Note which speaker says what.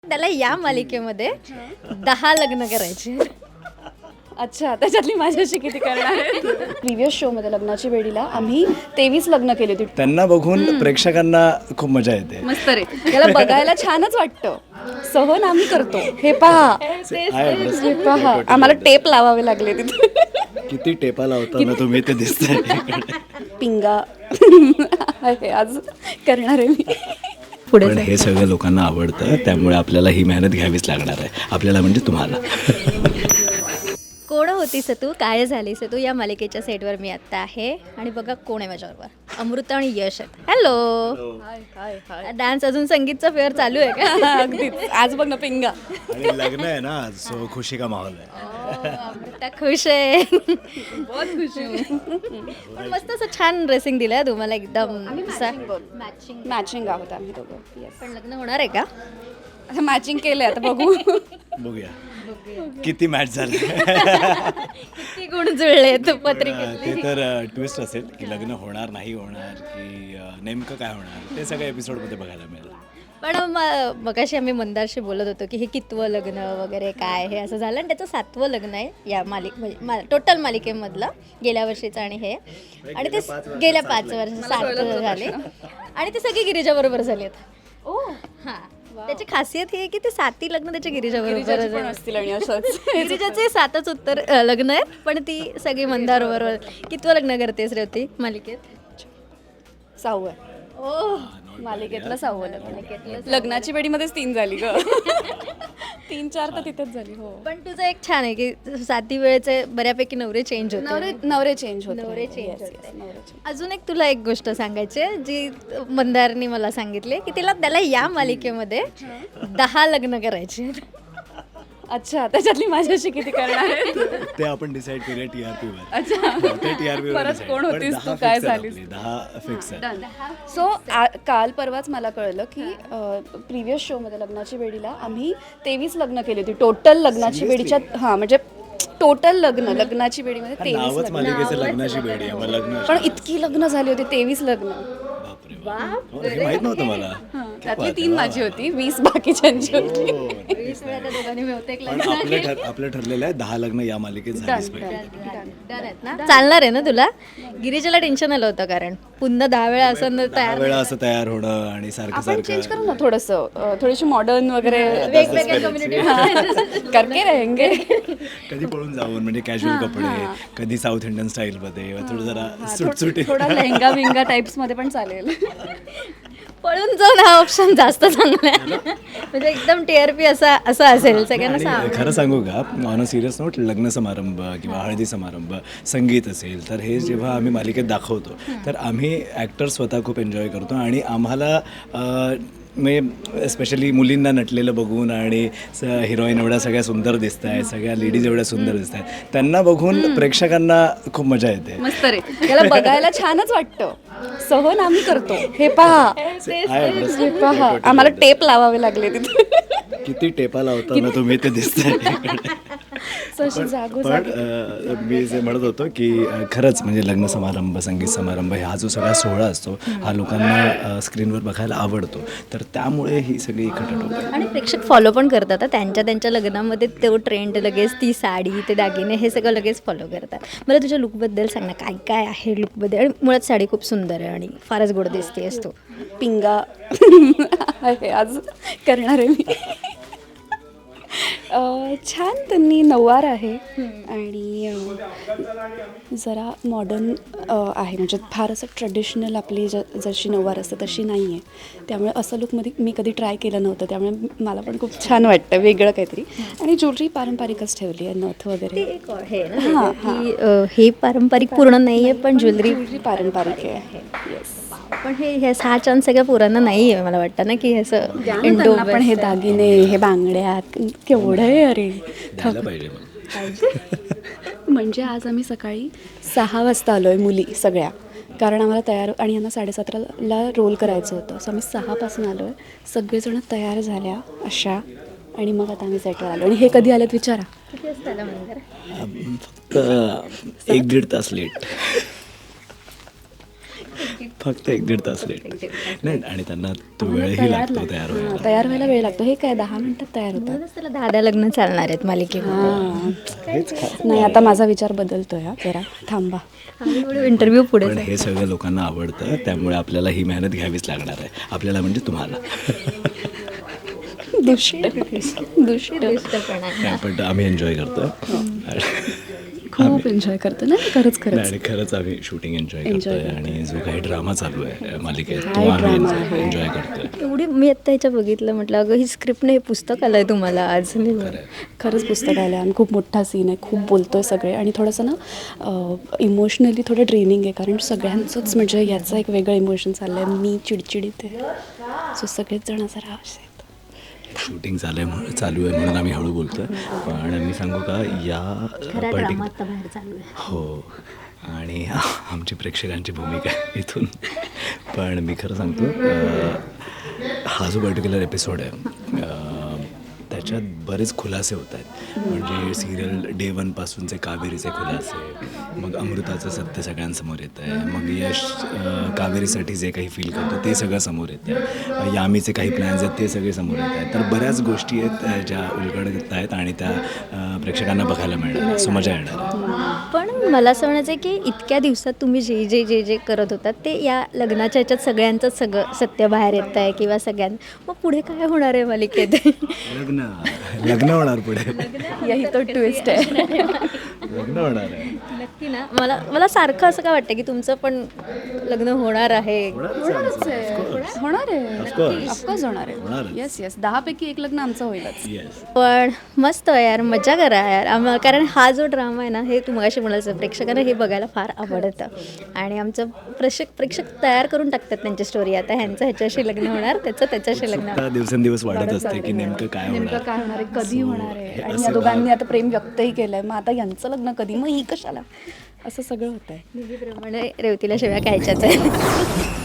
Speaker 1: त्याला या मालिकेमध्ये 10 लग्न करायचे.
Speaker 2: अच्छा, त्याच्यातली माझ्याशी किती करणार आहे? प्रिव्हियस शोमध्ये लग्नाची वेळीला आम्ही 23 लग्न केली होती.
Speaker 3: त्यांना बघून प्रेक्षकांना खूप मजा येते.
Speaker 2: मस्त रे, याला बघायला छानच वाटतं. सहन आम्ही करतो. हे पहा, हे पहा, आम्हाला टेप लावावे लागले तिथे.
Speaker 3: किती टेपा लावताना तुम्ही ते दिसतंय.
Speaker 2: पिंगा आहे आज करणार आहे मी.
Speaker 3: पण हे सगळं लोकांना आवडतं, त्यामुळे आपल्याला ही मेहनत घ्यावीच लागणार आहे. आपल्याला म्हणजे तुम्हाला.
Speaker 1: कोण होतीस तू, काय झालीस तू, या मालिकेच्या सेटवर मी आत्ता आहे. आणि बघा कोण आहे माझ्याबरोबर, अमृता आणि यश आहेत. हॅलो. डान्स अजून संगीतचा फेअर चालू आहे का?
Speaker 2: अगदीच. आज बघ ना पिंगा.
Speaker 3: आणि लग्न आहे ना आज, सो खुशी का माहोल आहे.
Speaker 1: अमृता खुश आहे. पण मस्त असं छान ड्रेसिंग दिलंय तुम्हाला, एकदम
Speaker 2: मॅचिंग आहोत आम्ही दोघं.
Speaker 1: पण लग्न होणार आहे का?
Speaker 2: आता मॅचिंग केलंय, आता बघू.
Speaker 3: बघूया किती मॅच झाले.
Speaker 1: किती गुण जुळले तू पत्रिकेत.
Speaker 3: ते तर ट्विस्ट असेल की लग्न होणार नाही होणार की नेमकं काय होणार, ते सगळ्या एपिसोडमध्ये बघायला मिळेल.
Speaker 1: पण मगाशी आम्ही मंदारशी बोलत होतो की हे कितवं लग्न वगैरे काय हे असं झालं, आणि त्याचं 7वं लग्न आहे या टोटल मालिकेमधलं, गेल्या वर्षीचं आणि हे. आणि ते गेल्या 5 वर्ष 7 झाले, आणि ते सगळी गिरिजा बरोबर झाले आहेत. हां, त्याची खासियत ही आहे की ते 7ही लग्न त्याच्या गिरिजा बरोबर
Speaker 2: असतील आणि असंच.
Speaker 1: गिरिजाचे 7च उत्तर लग्न आहेत, पण ती सगळी मंदार बरोबर. कितवं लग्न करतेस रे ती मालिकेत?
Speaker 2: 6वं.
Speaker 1: ओ,
Speaker 2: मालिकेतलं 6वं लग्न. लग्नाची वेळीमध्येच 3 झाली ग. 3-4 तर तिथेच झाली. हो,
Speaker 1: पण तुझं एक छान आहे की 7ही वेळेचे बऱ्यापैकी नवरे चेंज होते.
Speaker 2: नवरे चेंज होते.
Speaker 1: नवरे चेंज होते. अजून एक तुला एक गोष्ट सांगायची आहे, जी मंदारनी मला सांगितली की त्याला या मालिकेमध्ये 10 लग्न करायचे.
Speaker 2: अच्छा, त्याच्यातली माझ्याशी किती करणार आहे?
Speaker 3: ते आपण डिसाईड करूया TRP वर.
Speaker 2: अच्छा,
Speaker 3: ते TRP वर
Speaker 2: परत
Speaker 3: decide.
Speaker 2: कोण
Speaker 3: पण
Speaker 2: होतीस
Speaker 3: 10
Speaker 2: तू, काय
Speaker 3: fix आहेत
Speaker 2: झालीस?
Speaker 3: आपली, 10 फिक्स आहे.
Speaker 2: सो काल परवाच मला कळलं की प्रिव्हियस शोमध्ये लग्नाची वेळीला आम्ही 23 लग्न केली होती. टोटल लग्नाची वेळीच्या, हां म्हणजे टोटल लग्नाची वेळीमध्ये 23
Speaker 3: नावच
Speaker 2: लग्न.
Speaker 3: मालिकेचं लग्नाची बेडी आहे, मग लग्न.
Speaker 2: पण इतकी लग्न झाली होती, 23 लग्न.
Speaker 3: बापरे बाप. हे माहित नव्हतं मला.
Speaker 2: त्यातली 3 माझी होती, 20 बाकीच्यांची होती.
Speaker 1: 20 वेळा त्या दोघांनी मिळवते एक
Speaker 3: पण आपलं ठरलेलं आहे 10 लग्न या मालिकेत झालीच पाहिजे.
Speaker 1: चालणार आहे ना तुला? गिरिजाला टेन्शन आलं होतं, कारण पुन्हा 10 वेळा असं
Speaker 3: 10 वेळा असं तयार होणं आणि सारखं
Speaker 2: आपण चेंज
Speaker 3: सारखं
Speaker 2: करू ना थोडंसं, थोडीशी मॉडर्न वगैरे.
Speaker 1: वेगवेगळ्या कम्युनिटी
Speaker 2: करके रहेंगे.
Speaker 3: कधी पळून जाऊन, म्हणजे कॅज्युअल कपडे, कधी साऊथ इंडियन स्टाईलमध्ये, थोडं जरा सुटसुटी.
Speaker 2: थोडा लेहंगा विंगा टाइप्स मध्ये पण चालेल.
Speaker 1: पळून जाऊन हा ऑप्शन जास्त चांगला आहे. म्हणजे एकदम TRP असा असेल सगळ्यांना
Speaker 3: आणि खरं सांगू का, ऑन अ सिरियस नोट, लग्न समारंभ किंवा हळदी समारंभ, संगीत असेल तर हे जेव्हा आम्ही मालिकेत दाखवतो तर आम्ही ॲक्टर स्वतः खूप एन्जॉय करतो. आणि आम्हाला म्हणजे स्पेशली मुलींना नटलेलं बघून आणि हिरोईन एवढ्या सगळ्या सुंदर दिसत आहेत, सगळ्या लेडीज एवढ्या सुंदर दिसत आहेत, त्यांना बघून प्रेक्षकांना खूप मजा येते.
Speaker 2: मस्त रे, याला बघायला छानच वाटतं. सहन आम्ही करतो. हे पहा, हे पहा, आम्हाला टेप लावावे लागले तिथे.
Speaker 3: किती टेपा लावताना तुम्ही ते दिसतंय. पण मी जे म्हणत होतो की खरंच म्हणजे लग्न समारंभ, संगीत समारंभ, हा जो सगळा सोहळा असतो हा लोकांना स्क्रीनवर बघायला आवडतो. तर त्यामुळे ही सगळी खटाटोप आहे.
Speaker 1: आणि प्रेक्षक फॉलो पण करतात. त्यांच्या लग्नामध्ये तो ट्रेंड लगेच, ती साडी, ते दागिने, हे सगळं लगेच फॉलो करतात. मला तुझ्या लुकबद्दल सांग ना, काय काय आहे लुकबद्दल? आणि मुळात साडी खूप सुंदर आहे आणि फारच गोड दिसते असतो.
Speaker 2: पिंगा आहे आज करणार आहे मी. छान त्यांनी नऊवार आहे आणि जरा मॉडर्न आहे, म्हणजे फार असं ट्रेडिशनल आपली जशी नऊवार असतं तशी नाही आहे. त्यामुळे असं लुकमध्ये मी कधी ट्राय केलं नव्हतं, त्यामुळे मला पण खूप छान वाटतं, वेगळं काहीतरी. आणि ज्वेलरी पारंपरिकच ठेवली आहे, नथ वगैरे.
Speaker 1: हां, हे पारंपरिक पूर्ण नाही आहे, पण ज्वेलरी
Speaker 2: पारंपरिक आहे. येस,
Speaker 1: पण हे 6 चांद सगळ्या पोरांना नाही आहे, मला वाटतं ना की असं
Speaker 2: इंडो. पण हे दागिने, हे बांगड्या केवढं आहे अरे.
Speaker 3: द्यायला पाहिजे मला.
Speaker 2: म्हणजे आज आम्ही सकाळी 6 वाजता आलो आहे मुली सगळ्या, कारण आम्हाला तयार, आणि यांना 7:30ला रोल करायचं होतं. सो आम्ही 6पासून आलो आहे, सगळेजण तयार झाल्या अशा, आणि मग आता आम्ही सेटवर आलो. आणि हे कधी आलेत विचारा?
Speaker 1: किती वाजता आला मंदिर?
Speaker 3: फक्त 1-1.5 तास लेट. फक्त 1-1.5 तास लेट. नाही आणि त्यांना तो वेळही लागतो तयार व्हायला.
Speaker 2: तयार व्हायला वेळ लागतो. हे काय 10 मिनिटात तयार होतात.
Speaker 1: म्हणूनच त्याला 10 लग्न चालणार आहेत मालिकेमध्ये.
Speaker 2: नाही आता माझा विचार बदलतोय जरा थांबा.
Speaker 1: हळूहळू इंटरव्ह्यू पुढे
Speaker 3: पण हे सगळं लोकांना आवडतं, त्यामुळे आपल्याला ही मेहनत घ्यावीच लागणार आहे. आपल्याला म्हणजे तुम्हाला.
Speaker 2: दुष्ट
Speaker 3: नाही, पण आम्ही एन्जॉय करतो
Speaker 2: खूप एन्जॉय करतो ना खरंच
Speaker 3: आणि खरंच आम्ही शूटिंग एन्जॉय करतोय आणि जो काही ड्रामा चालू आहे मालिकेत तो
Speaker 2: काय
Speaker 3: आम्ही
Speaker 2: drama आहे.
Speaker 3: एन्जॉय करतोय.
Speaker 1: एवढी मी आत्ता ह्याच्या बघितलं म्हटलं अगं ही स्क्रिप्ट नाही, हे पुस्तक आलंय तुम्हाला आज.
Speaker 2: खरंच पुस्तक आलं आणि खूप मोठा सीन आहे. खूप बोलतोय सगळे आणि थोडंसं ना इमोशनली थोडं ड्रेनिंग आहे कारण सगळ्यांचंच म्हणजे याचं एक वेगळं इमोशन चाललं आहे. मी चिडचिडीत आहे सो सगळेच जण जरा असे
Speaker 3: शूटिंग चालू आहे म्हणून आम्ही हळू बोलतोय. पण मी सांगू का या
Speaker 1: बाहेर चालू आहे.
Speaker 3: हो आणि आमची प्रेक्षकांची भूमिका आहे इथून. पण मी खरं सांगतो हा जो पर्टिक्युलर एपिसोड आहे त्याच्यात बरेच खुलासे होत आहेत. म्हणजे सिरियल डे 1पासूनचे कावेरीचे खुलासे, मग अमृताचं सत्य सगळ्यांसमोर येतं आहे, मग यश कावेरीसाठी जे काही फील करतो ते सगळं समोर येतं आहे, यामीचे काही प्लॅन्स आहेत ते सगळे समोर येत आहेत. तर बऱ्याच गोष्टी आहेत ज्या उलगडत आहेत आणि त्या प्रेक्षकांना बघायला मिळणार आहे. सो मजा येणार आहे.
Speaker 1: पण मला असं म्हणायचं आहे की इतक्या दिवसात तुम्ही जे करत होतात ते या लग्नाच्या ह्याच्यात सगळ्यांचंच सगळं सत्य बाहेर येत आहे किंवा मग पुढे काय होणार आहे मालिकेत?
Speaker 3: लग्न होणार पुढे.
Speaker 2: यही तो ट्विस्ट आहे.
Speaker 3: लग्न होणार आहे
Speaker 1: नक्की ना. मला सारखं असं काय वाटतं की तुमचं पण लग्न होणार आहे.
Speaker 2: होणार आहे ऑफकोर्स होणार आहे.
Speaker 3: होणारच.
Speaker 2: येस 10 पैकी 1 लग्न आमचं होईलच.
Speaker 3: येस.
Speaker 1: पण मस्त आहे यार, मजा करा यार. कारण हा जो ड्रामा आहे ना हे तुम्हाला म्हणायचं प्रेक्षकांना हे बघायला फार आवडतं आणि आमचं प्रेक्षक तयार करून टाकतात त्यांची स्टोरी. आता ह्यांचं ह्याच्याशी लग्न होणार, त्याच्याशी लग्न होणार.
Speaker 3: दिवसेंदिवस वाढत असते की नेमकं काय
Speaker 2: नेमकं
Speaker 3: होणार.
Speaker 2: काय होणार आहे, कधी होणार आहे.
Speaker 3: हे
Speaker 2: आणि
Speaker 3: असं
Speaker 2: या दोघांनी आता प्रेम व्यक्तही केलंय. मग आता यांचं लग्न कधी, मग ही कशाला, असं सगळं होत आहे.
Speaker 1: नेहमीप्रमाणे रेवतीला शिव्या खायच्याच आहे.